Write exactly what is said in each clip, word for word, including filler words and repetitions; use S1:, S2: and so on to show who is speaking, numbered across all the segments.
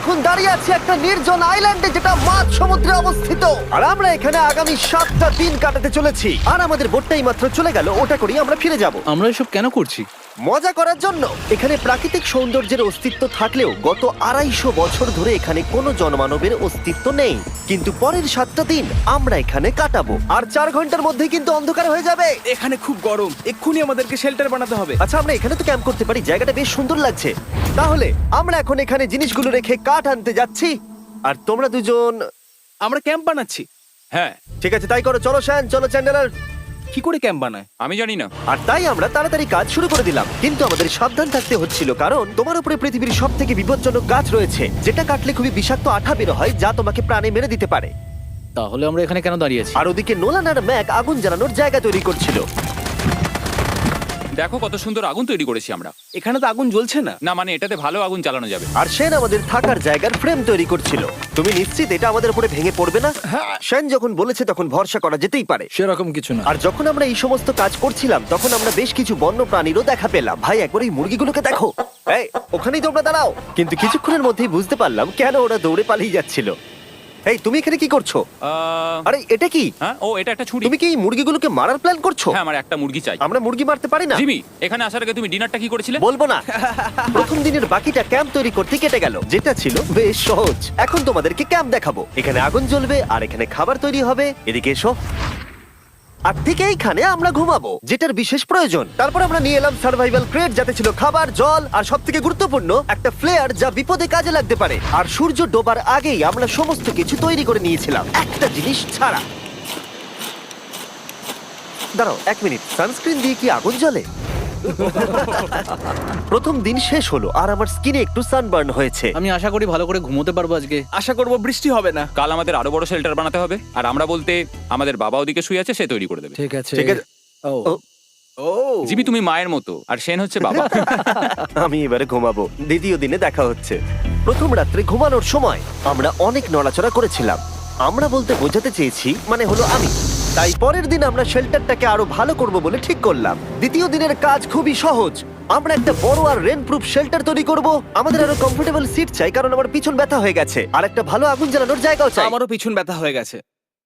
S1: এখন দাঁড়িয়ে আছি একটা নির্জন আইল্যান্ডে যেটা মাঝ সমুদ্রে অবস্থিত, আর আমরা এখানে আগামী সাতটা দিন কাটাতে চলেছি। আর আমাদের বোটটাই মাত্র চলে গেল, ওটা করেই আমরা ফিরে যাব
S2: আমরা এসব কেন করছি?
S1: মজা করার জন্য। এখানে প্রাকৃতিক সৌন্দর্যের অস্তিত্ব থাকলেও গত আড়াইশো বছর ধরে এখানে কোনো জনমানবের অস্তিত্ব নেই। কিন্তু পরের সাতটা দিন আমরা এখানে কাটাবো, আর চার ঘন্টার মধ্যেই কিন্তু অন্ধকার হয়ে যাবে।
S3: এখানে খুব গরম, এক্ষুনি আমাদেরকে শেল্টার বানাতে হবে।
S1: আচ্ছা, আমরা এখানে তো ক্যাম্প করতে পারি, জায়গাটা বেশ সুন্দর লাগছে। তাহলে আমরা এখন এখানে জিনিসগুলো রেখে কাঠ আনতে যাচ্ছি, আর তোমরা দুজন।
S3: আমরা ক্যাম্প বানাচ্ছি।
S4: হ্যাঁ,
S1: ঠিক আছে, তাই করো। চলো শ্যান, চলো চ্যান্ডেলার।
S3: কি করে ক্যাম্প বানায়?
S4: আমি জানি না।
S1: আর তাই আমরা তাড়াতাড়ি কাজ শুরু করে দিলাম, কিন্তু আমাদের সাবধান থাকতে হচ্ছিল, কারণ তোমার উপরে পৃথিবীর সব থেকে বিপজ্জনক গাছ রয়েছে, যেটা কাটলে খুবই বিষাক্ত আঠা বের হয়, যা তোমাকে প্রাণে মেরে দিতে পারে।
S2: তাহলে আমরা এখানে কেন দাঁড়িয়ে আছি?
S1: আর ওদিকে নোলান আর ম্যাক আগুন জ্বালানোর জায়গা তৈরি করছিল।
S4: দেখো কত সুন্দর আগুন তৈরি করেছি আমরা।
S3: এখানে তো আগুন জ্বলছে না।
S4: না মানে এটাতে ভালো আগুন জ্বালানো যাবে।
S1: আর সেন আমাদের থাকার জায়গার ফ্রেম তৈরি করছিল। তুমি নিশ্চিত এটা আমাদের উপরে ভেঙে পড়বে না? সেন যখন বলেছে তখন ভরসা করা যেতেই পারে।
S2: সেরকম কিছু না।
S1: আর যখন আমরা এই সমস্ত কাজ করছিলাম তখন আমরা বেশ কিছু বন্য প্রাণীরও দেখা পেলাম। ভাই, একবার এই মুরগিগুলোকে দেখো। এই, ওখানেই তোমরা দাঁড়াও। কিন্তু কিছুক্ষণের মধ্যেই বুঝতে পারলাম কেন ওরা দৌড়ে পালিয়ে যাচ্ছিল। এই, তুমি এখানে কি করছো?
S4: আহ,
S1: আরে এটা কি?
S4: হ্যাঁ, ও এটা একটা ছুরি।
S1: তুমি কি এই মুরগিগুলোকে মারার প্ল্যান করছো?
S4: হ্যাঁ, আমার একটা মুরগি চাই।
S1: আমরা মুরগি মারতে পারি না।
S4: জিমি, এখানে আসার আগে তুমি ডিনারটা কি করেছিলে?
S1: বলবো না। প্রথম দিনের বাকিটা ক্যাম্প তৈরি করতে কেটে গেল, যেটা ছিল বেশ সহজ। এখন তোমাদেরকে ক্যাম্প দেখাবো। এখানে আগুন জ্বলবে আর এখানে খাবার তৈরি হবে। এদিকে এসো। আর ঠিক এইখানে আমরা ঘুমাবো, যেটার বিশেষ প্রয়োজন। তারপর আমরা নিয়ে এলাম সার্ভাইভাল ক্রেট, যাতে ছিল খাবার, জল আর সবথেকে গুরুত্বপূর্ণ একটা ফ্লেয়ার, যা বিপদে কাজে লাগতে পারে। আর সূর্য ডোবার আগেই আমরা সমস্ত কিছু তৈরি করে নিয়েছিলাম, একটা জিনিস ছাড়া। দাঁড়াও এক মিনিট, সানস্ক্রিন দিয়ে কি আগুন জ্বলে? প্রথম দিন শেষ হলো আর আমার স্কিনে একটু সানবার্ন হয়েছে।
S2: আমি আশা করি ভালো করে ঘুমোতে পারবো আজকে।
S3: আশা করব বৃষ্টি হবে না।
S4: কাল আমাদের আরো বড় শেল্টার বানাতে হবে, আর আমরা বলতে আমাদের বাবা ওদিকে শুয়ে আছে, সে তৈরি করে দেবে।
S2: ঠিক আছে
S1: ঠিক আছে।
S2: ও
S1: ও,
S3: ও
S4: জিমি তুমি মায়ের মতো, আর সেন হচ্ছে বাবা।
S1: আমি এবারে ঘুমাবো। দ্বিতীয় দিনে দেখা হচ্ছে। প্রথম রাত্রে ঘুমানোর সময় আমরা অনেক নড়াচড়া করেছিলাম। আমরা বলতে বোঝাতে চেয়েছি, মানে হলো আমি। তাই পরের দিন আমরা শেল্টারটাকে আরো ভালো করব বলে ঠিক করলাম। দ্বিতীয় দিনের কাজ খুবই সহজ। আমরা একটা বড় আর রেন প্রুফ শেল্টার তৈরি করব। আমাদের আরো কমফোর্টেবল সিট চাই, কারণ আমার পিছন ব্যথা হয়ে গেছে, আর একটা ভালো আগুন জ্বালানোর জায়গাও চাই।
S3: আমারও পিছন ব্যথা হয়ে গেছে।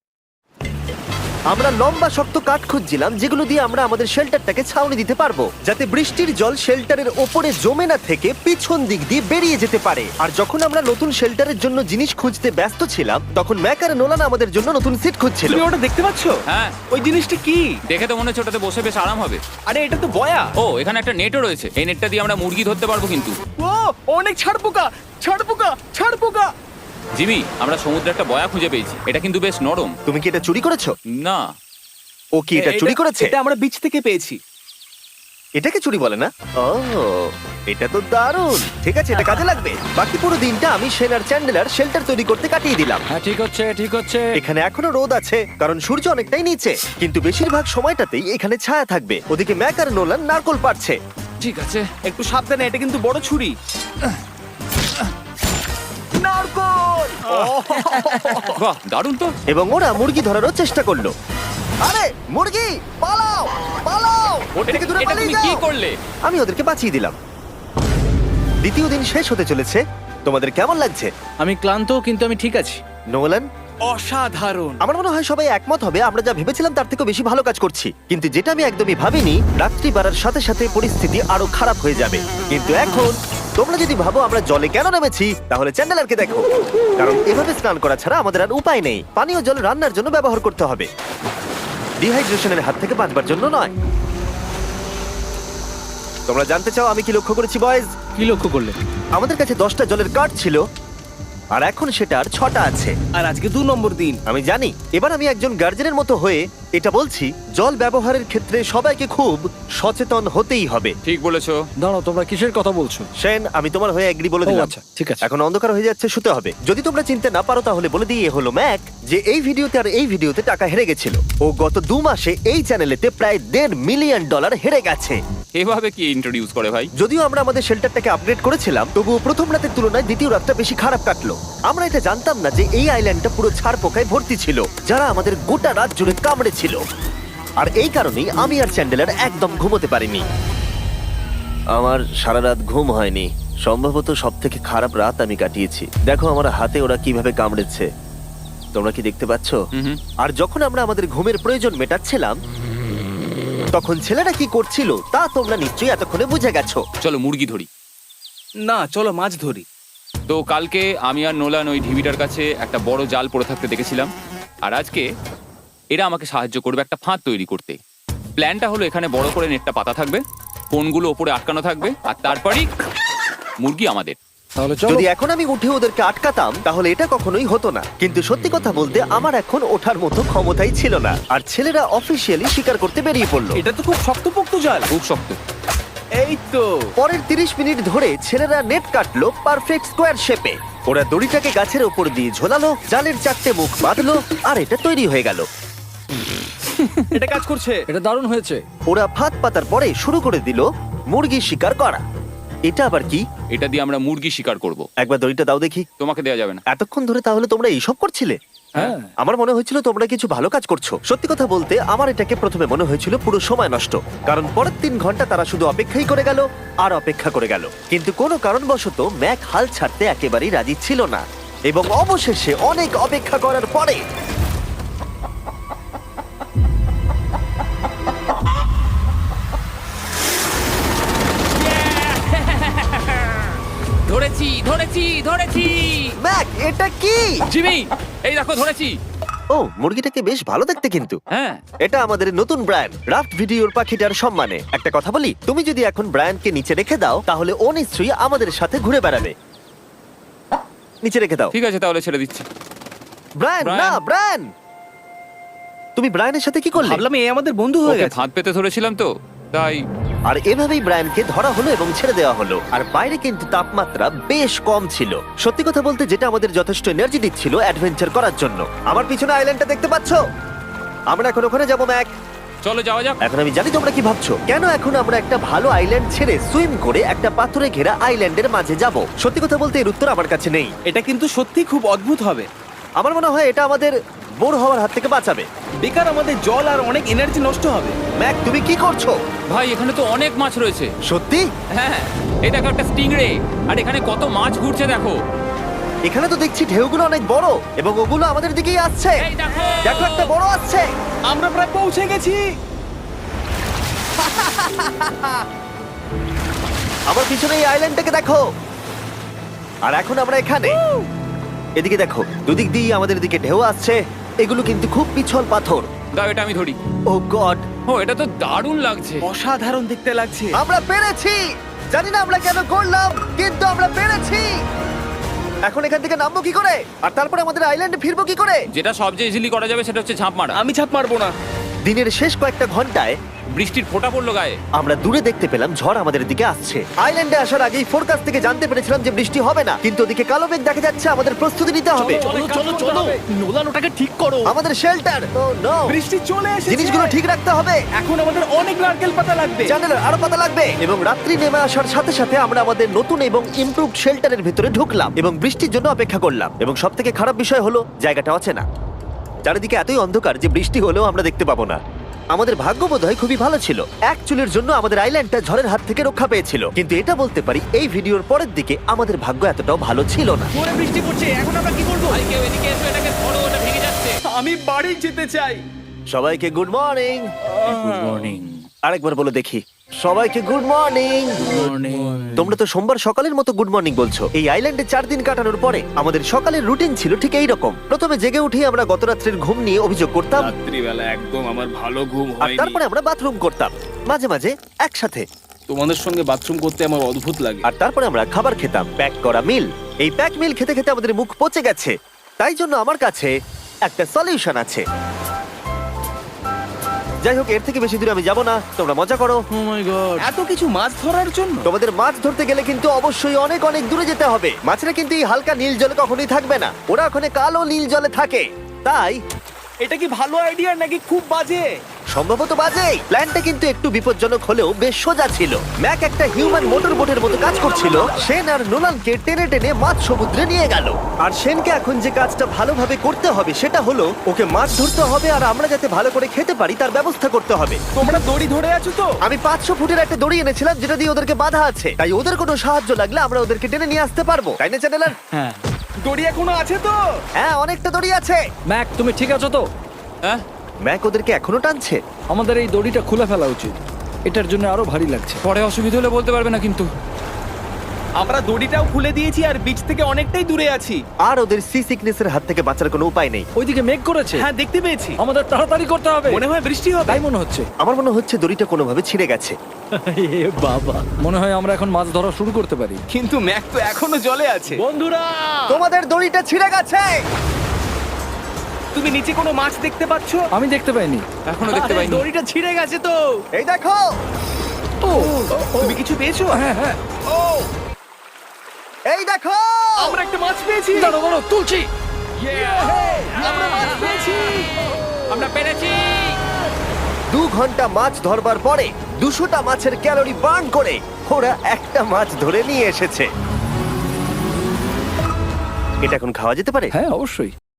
S1: আমরা লম্বা শক্ত কাঠ খুঁজছিলাম, যেগুলো দিয়ে আমরা আমাদের শেল্টারটাকে ছাউনি দিতে পারবো, যাতে বৃষ্টির জল শেল্টারের ওপরে জমে না থেকে পিছন দিক দিয়ে বেরিয়ে যেতে পারে। আর যখন আমরা নতুন শেল্টারের জন্য জিনিস খুঁজতে ব্যস্ত ছিলাম, তখন ম্যাক আর নোলান আমাদের জন্য নতুন সিট খুঁজছিল।
S3: তুমি ওটা দেখতে পাচ্ছ?
S4: হ্যাঁ,
S3: ওই জিনিসটা কি?
S4: দেখে তো মনে হচ্ছে ওটাতে বসে বেশ আরাম হবে।
S3: আরে এটা তো বয়া।
S4: ও, এখানে একটা নেটও রয়েছে। এই নেটটা দিয়ে আমরা মুরগি ধরতে পারবো। কিন্তু
S3: ও অনেক ছাড় পোকা, ছাড় পোকা, ছাড় পোকা।
S4: জিমি, আমরা সমুদ্রে একটা বয়া খুঁজে পেয়েছি। এটা কিন্তু বেশ নরম।
S1: তুমি কি এটা চুরি করেছো?
S4: না।
S1: ও কি এটা চুরি করেছে?
S3: এটা আমরা বিচ থেকে পেয়েছি।
S1: এটাকে চুরি বলে না? ও, এটা তো দারুণ। ঠিক আছে, এটা কাজে লাগবে। বাকি পুরো দিনটা আমি সেন আর চ্যান্ডেলার শেল্টার তৈরি করতে কাটিয়ে দিলাম।
S2: হ্যাঁ, ঠিক হচ্ছে ঠিক হচ্ছে
S1: এখানে এখনো রোদ আছে, কারণ সূর্য অনেকটাই নিচে, কিন্তু বেশিরভাগ সময়টাতেই এখানে ছায়া থাকবে। ওদিকে ম্যাক আর নোলান নারকল পাড়ছে।
S4: ঠিক আছে।
S3: একটু সাবধানে, এটা কিন্তু বড় ছুরি। নারকল!
S4: বাহ, দারুণ তো।
S1: এবং ওরা মুরগি ধরারও চেষ্টা করলো। আরে মুরগি, পালাও পালাও! ওর থেকে দূরে
S4: এটা
S1: পালিয়ে
S4: তুমি কি
S1: যাও।
S4: করলে?
S1: আমি ওদেরকে বাঁচিয়ে দিলাম। দ্বিতীয় দিন শেষ হতে চলেছে। তোমাদের কেমন লাগছে?
S2: আমি ক্লান্ত, কিন্তু আমি ঠিক আছি।
S1: নোলান?
S3: অসাধারণ।
S1: আমার মনে হয় সবাই একমত হবে, আমরা যা ভেবেছিলাম তার থেকে বেশি ভালো কাজ করছি। কিন্তু যেটা আমি একদমই ভাবিনি, রাত্রি বাড়ার সাথে সাথে পরিস্থিতি আরো খারাপ হয়ে যাবে। কিন্তু এখন তোমরা যদি ভাবো আমরা জলে কেন নেমেছি, তাহলে চ্যান্ডেলারকে দেখো। কারণ এভাবে স্নান করা ছাড়া আমাদের আর উপায় নেই। পানীয় জল রান্নার জন্য ব্যবহার করতে হবে, ডিহাইড্রেশনের হাত থেকে বাঁচবার জন্য নয়। তোমরা জানতে চাও আমি কি লক্ষ্য করেছি বয়েজ?
S2: কি লক্ষ্য করলে?
S1: আমাদের কাছে দশটা জলের কার্ড ছিল, আর এখন সেটা আর ছটা আছে।
S3: আর আজকে দু নম্বর দিন।
S1: আমি জানি। এবার আমি একজন গার্জেনের মতো হয়ে এটা বলছি, জল ব্যবহারের ক্ষেত্রে সবাইকে খুব সচেতন হতেই হবে।
S4: ঠিক বলেছো।
S2: দাঁড়াও, তোমরা কিসের কথা বলছো?
S1: সেন, আমি তোমার হয়ে এগ্রি বলে
S2: ও,
S1: দিলাম।
S2: আচ্ছা, ঠিক আছে।
S1: এখন অন্ধকার হয়ে যাচ্ছে, শুতে হবে। যদি তোমরা চিনতে না পারো তাহলে বলে দিয়ে হলো ম্যাক, যে এই ভিডিওতে আর এই ভিডিওতে টাকা হেরে গেছিল। ও গত দু মাসে এই চ্যানেলেতে প্রায় দেড় মিলিয়ন ডলার হেরে গেছে।
S4: এভাবে কি ইন্ট্রোডিউস করে ভাই?
S1: যদিও আমরা আমাদের শেল্টারটাকে আপগ্রেড করেছিলাম, তবুও প্রথম রাতের তুলনায় দ্বিতীয় রাতটা বেশি খারাপ কাটলো। আমরা এটা জানতাম না যে এই আইল্যান্ডটা পুরো ছাড় পোকায় ভর্তি ছিল, যারা আমাদের গোটা রাত জুড়ে কামড়েছিল। আর এই কারণেই আমি আর চ্যান্ডেলার একদম ঘুমোতে পারিনি। আমার সারা রাত ঘুম হয়নি। সম্ভবত সব থেকে খারাপ রাত আমি কাটিয়েছি। দেখো আমার হাতে ওরা কিভাবে কামড়েছে, তোমরা কি দেখতে পাচ্ছ?
S4: হুম হুম।
S1: আর যখন আমরা আমাদের ঘুমের প্রয়োজন মেটাচ্ছিলাম তখন ছেলেরা কি করছিল তা তোমরা নিশ্চয়ই এতক্ষণে বুঝে গেছো।
S4: চলো মুরগি ধরি।
S3: না চলো মাছ ধরি।
S4: তো কালকে আমি আর নোলান ওই ঢিবিটার কাছে একটা বড় জাল পড়ে থাকতে দেখেছিলাম, আর আজকে এরা আমাকে সাহায্য করবে একটা ফাঁদ তৈরি করতে। প্ল্যানটা হলো এখানে বড় করে নেটটা পাতা থাকবে, কোনগুলো ওপরে আটকানো থাকবে, আর তারপরেই মুরগি আমাদের।
S2: তাহলে চলো।
S1: যদি এখন আমি উঠে ওদেরকে আটকাতাম তাহলে এটা কখনোই হতো না, কিন্তু সত্যি কথা বলতে আমার এখন ওঠার মতো ক্ষমতাই ছিল না। আর ছেলেরা অফিসিয়ালি স্বীকার করতে বেরিয়ে পড়লো।
S3: এটা তো খুব শক্তপোক্ত জাল।
S4: খুব শক্ত।
S3: এই তো
S1: পরের তিরিশ মিনিট ধরে ছেলেরা নেট কাটলো পারফেক্ট স্কোয়ার শেপে। ওরা দড়িটাকে গাছের ওপর দিয়ে ঝোলালো, জালের চারটে মুখ বাঁধলো, আর এটা তৈরি হয়ে গেল।
S3: এটা কাজ করছে।
S2: এটা দারুণ হয়েছে।
S1: ওরা ফাঁদ পাতার পরে শুরু করে দিল মুরগি শিকার করা। এটা আবার কি?
S4: এটা দিয়ে আমরা মুরগি শিকার করব।
S1: একবার দড়িটা দাও দেখি।
S4: তোমাকে দেওয়া যাবে না।
S1: এতক্ষণ ধরে তাহলে তোমরা এইসব করছিলে?
S2: হ্যাঁ।
S1: আমার মনে হয়েছিল তোমরা কিছু ভালো কাজ করছো। সত্যি কথা বলতে আমার এটাকে প্রথমে মনে হয়েছিল পুরো সময় নষ্ট, কারণ পরের তিন ঘন্টা তারা শুধু অপেক্ষাই করে গেল আর অপেক্ষা করে গেল। কিন্তু কোনো কারণবশত ম্যাক হাল ছাড়তে একেবারেই রাজি ছিল না, এবং অবশেষে অনেক অপেক্ষা করার পরে
S4: ধরেছি ধরেছি ধরেছি
S1: ম্যাক এটা কি?
S4: জিমি, এই দেখো ধরেছি।
S1: ও, মুরগিটাকে বেশ ভালো দেখতে কিন্তু।
S4: হ্যাঁ।
S1: এটা আমাদের নতুন ব্র্যান্ড রাফট ভিডিওর পাখিটার সম্মানে। একটা কথা বলি, তুমি যদি এখন ব্র্যান্ডকে নিচে রেখে দাও তাহলে ও নিশ্চয়ই আমাদের সাথে ঘুরে বেড়াবে। নিচে রেখে দাও।
S4: ঠিক আছে তাহলে ছেড়ে দিচ্ছি।
S1: Brian,
S4: Brian.
S1: না ব্রায়ান, তুমি ব্রায়ানের সাথে কি করলে?
S3: ভাবলাম এই আমাদের বন্ধু হয়ে
S4: ওকে
S3: গেছে।
S4: ফাঁদ পেতে ধরেছিলাম তো তাই।
S1: আর এভাবেই ব্রায়ানকে ধরা হলো এবং ছেড়ে দেওয়া হলো। আর বাইরে কিন্তু তাপমাত্রা বেশ কম ছিল। সত্যি কথা বলতে যেটা আমাদের যথেষ্ট এনার্জি দিচ্ছিল অ্যাডভেঞ্চার করার জন্য। আমার পিছনে আইল্যান্ডটা দেখতে পাচ্ছো? আমরা এখন ওখানে যাবো ম্যাক।
S4: চলো যাওয়া যাক।
S1: এখন আমি জানি তোমরা কি ভাবছো, কেন এখন আমরা একটা ভালো আইল্যান্ড ছেড়ে সুইম করে একটা পাথরে ঘেরা আইল্যান্ডের মাঝে যাব? সত্যি কথা বলতে এর উত্তর আমার কাছে নেই।
S3: এটা কিন্তু সত্যি খুব অদ্ভুত হবে।
S1: আমার মনে হয় এটা আমাদের বোর হওয়ার হাত থেকে বাঁচাবে।
S3: বেকার আমাদের জল আর অনেক এনার্জি নষ্ট হবে।
S1: ম্যাক তুমি কি করছো?
S4: ভাই এখানে তো অনেক মাছ রয়েছে।
S1: সত্যি?
S4: হ্যাঁ, এই দেখো একটা স্টিংরে, আর এখানে কত মাছ ঘুরছে দেখো।
S1: এখানে তো দেখছি ঢেউগুলো অনেক বড় এবং ওগুলো আমাদের দিকেই আসছে।
S4: এই দেখো।
S1: দেখো একটা বড় আসছে।
S3: আমরা প্রায় পৌঁছে গেছি।
S1: আমার পিছনে এই আইল্যান্ডটাকে দেখো। আর এখন আমরা এখানে। এদিকে দেখো, দুদিক দিয়ে আমাদের দিকে ঢেউ আসছে। এগুলো কিন্তু খুব পিছল পাথর।
S4: দাও এটা আমি ধরি।
S1: ও গড,
S4: ও এটা তো দারুণ লাগছে।
S3: অসাধারণ দেখতে লাগছে।
S1: আমরা পেরেছি। জানি না আমরা কেন করলাম, কিন্তু আমরা পেরেছি। এখন এখান থেকে নামবো কি করে, আর তারপরে আমাদের আইল্যান্ডে ফিরবো কি করে?
S4: যেটা সবচেয়ে ইজিলি করা যাবে সেটা হচ্ছে ঝাঁপ মারা।
S3: আমি ছাপ মারবো না।
S1: দিনের শেষ কয়েকটা ঘন্টায়
S4: বৃষ্টির ফোঁটা পড়লো গায়ে।
S1: আমরা দূরে দেখতে পেলাম ঝড় আমাদের দিকে আসছে। আইল্যান্ডে আসার আগেই ফোরকাস্ট থেকে জানতে পেরেছিলাম যে বৃষ্টি হবে না, কিন্তু ওদিকে কালো মেঘ দেখা যাচ্ছে। আমাদের প্রস্তুতি নিতে হবে।
S3: চলো চলো চলো, নোলান ওটাকে ঠিক করো।
S1: আমাদের শেল্টার, ও নো,
S3: বৃষ্টি চলে এসেছে।
S1: জিনিসগুলো ঠিক রাখতে হবে।
S3: এখন আমাদের অনেক নারকেল পাতা লাগবে।
S1: জানালার আরো পাতা লাগবে। এবং রাত্রি নেমে আসার সাথে সাথে আমরা আমাদের নতুন এবং ইমপ্রুভড শেল্টারের ভিতরে ঢুকলাম এবং বৃষ্টির জন্য অপেক্ষা করলাম। এবং সব থেকে খারাপ বিষয় হলো জায়গাটা অচেনা। চারিদিকে এতই অন্ধকার যে বৃষ্টি হলেও আমরা দেখতে পাবো না। আমাদের ভাগ্য বোধহয় খুবই ভালো ছিল। এক চুলের জন্য আমাদের আইল্যান্ডটা ঝড়ের হাত থেকে রক্ষা পেয়েছিল, কিন্তু এটা বলতে পারি এই ভিডিওর পরের দিকে আমাদের ভাগ্য এতটাও ভালো ছিল না।
S3: জোরে বৃষ্টি পড়ছে, এখন আমরা কি করব?
S4: ভাই কেউ এদিকে এসো, এটাকে ধরো, ওটা ভেঙে যাচ্ছে।
S3: আমি বাড়ি যেতে চাই।
S1: সবাইকে গুড মর্নিং।
S2: Good morning.
S1: আরেকবার বলে দেখি, সবাইকে গুড মর্নিং। তোমরা তো সোমবার সকালের মতো গুড মর্নিং বলছো। এই আইল্যান্ডে চার দিন কাটানোর পরে আমাদের সকালের রুটিন ছিল ঠিক এই রকম। প্রথমে জেগে উঠে আমরা গত রাত্রের ঘুম নিয়ে অভিযোগ করতাম,
S3: রাত্রিবেলা একদম আমার ভালো ঘুম
S1: আর
S3: হয়নি।
S1: তারপরে আমরা বাথরুম করতাম, মাঝে মাঝে একসাথে।
S3: তোমাদের সঙ্গে বাথরুম করতে আমার অদ্ভুত লাগে।
S1: আর তারপরে আমরা খাবার খেতাম, প্যাক করা মিল। এই প্যাক মিল খেতে খেতে আমাদের মুখ পচে গেছে। তাই জন্য আমার কাছে একটা সলিউশন আছে। যাই হোক, এর থেকে বেশি দূরে আমি যাব না, তোমরা মজা করো।
S2: Oh my god.
S3: এত কিছু মাছ ধরার জন্য
S1: তোমাদের মাছ ধরতে গেলে কিন্তু অবশ্যই অনেক অনেক দূরে যেতে হবে। মাছেরা কিন্তু এই হালকা নীল জলে কখনোই থাকবে না, ওরা ওখানে কালো নীল জলে থাকে। তাই
S3: এটা কি ভালো আইডিয়া নাকি খুব বাজে?
S1: সম্ভবত বাজে। প্ল্যানটা কিন্তু একটু বিপজ্জনক হলেও বেশ সোজা ছিল। ম্যাক একটা হিউম্যান মোটর বোটের মতো কাজ করছিল। শেন আর নোলানকে টেনে টেনে মাছ সমুদ্রে নিয়ে গেল। আর শেনকে এখন যে কাজটা ভালোভাবে করতে হবে সেটা হলো ওকে মাছ ধরতে হবে, আর আমরা যাতে ভালো করে খেতে পারি তার ব্যবস্থা করতে হবে।
S3: তোমরা দড়ি ধরে আছো তো?
S1: আমি পাঁচশো ফুটের একটা দড়ি এনেছিলাম যেটা দিয়ে ওদেরকে বাধা আছে, তাই ওদের কোনো সাহায্য লাগলে আমরা ওদেরকে টেনে নিয়ে আসতে পারবো, তাই না চ্যানেলার?
S2: হ্যাঁ
S3: দড়ি এখনো আছে তো?
S1: হ্যাঁ, অনেকটা দড়ি আছে।
S2: ম্যাক, তুমি ঠিক আছো তো?
S4: হ্যাঁ,
S1: ম্যাক ওদেরকে এখনো টানছে।
S2: আমাদের এই দড়িটা খুলে ফেলা উচিত, এটার জন্য আরো ভারী লাগছে।
S4: পরে অসুবিধা হলে বলতে পারবে না কিন্তু।
S3: আমরা দড়িটাও খুলে দিয়েছি আর বিচ থেকে অনেকটাই দূরে আছি।
S1: আর ওদের সি সিকনেসের হাত থেকে বাঁচার কোনো উপায় নেই।
S2: ওইদিকে মেঘ করেছে।
S3: হ্যাঁ, দেখতে পেয়েছি।
S2: আমাদের তাড়াতাড়ি করতে হবে।
S3: মনে হয় বৃষ্টি হবে।
S2: তাই মনে হচ্ছে।
S1: আমার মনে হচ্ছে দড়িটা কোনোভাবে ছিঁড়ে গেছে।
S2: এ বাবা, মনে হয় আমরা এখন মাছ ধরা শুরু করতে পারি।
S3: কিন্তু ম্যাক তো এখনো জলে আছে।
S2: বন্ধুরা,
S1: তোমাদের দড়িটা ছিঁড়ে গেছে।
S3: তুমি নিচে কোনো মাছ দেখতে পাচ্ছো?
S2: আমি দেখতে পাইনি।
S4: এখনো দেখতে
S2: আরে,
S4: পাইনি।
S2: দড়িটা ছিঁড়ে গেছে তো।
S1: এই দেখো,
S2: ও,
S3: তুমি কিছু পেয়েছো?
S2: হ্যাঁ হ্যাঁ।
S3: ও,
S1: এই দেখো।
S3: আমরা একটা মাছ পেয়েছি।
S2: দাঁড়ো দাঁড়ো, তুলছি।
S3: আমরা মাছ পেয়েছি।
S4: আমরা পেরেছি।
S1: দু ঘন্টা মাছ ধরবার পরে দুশোটা মাছের ক্যালোরি বার্ন করে ওরা একটা মাছ ধরে নিয়ে এসেছে। এটা এখন খাওয়া যেতে পারে?
S2: হ্যাঁ অবশ্যই।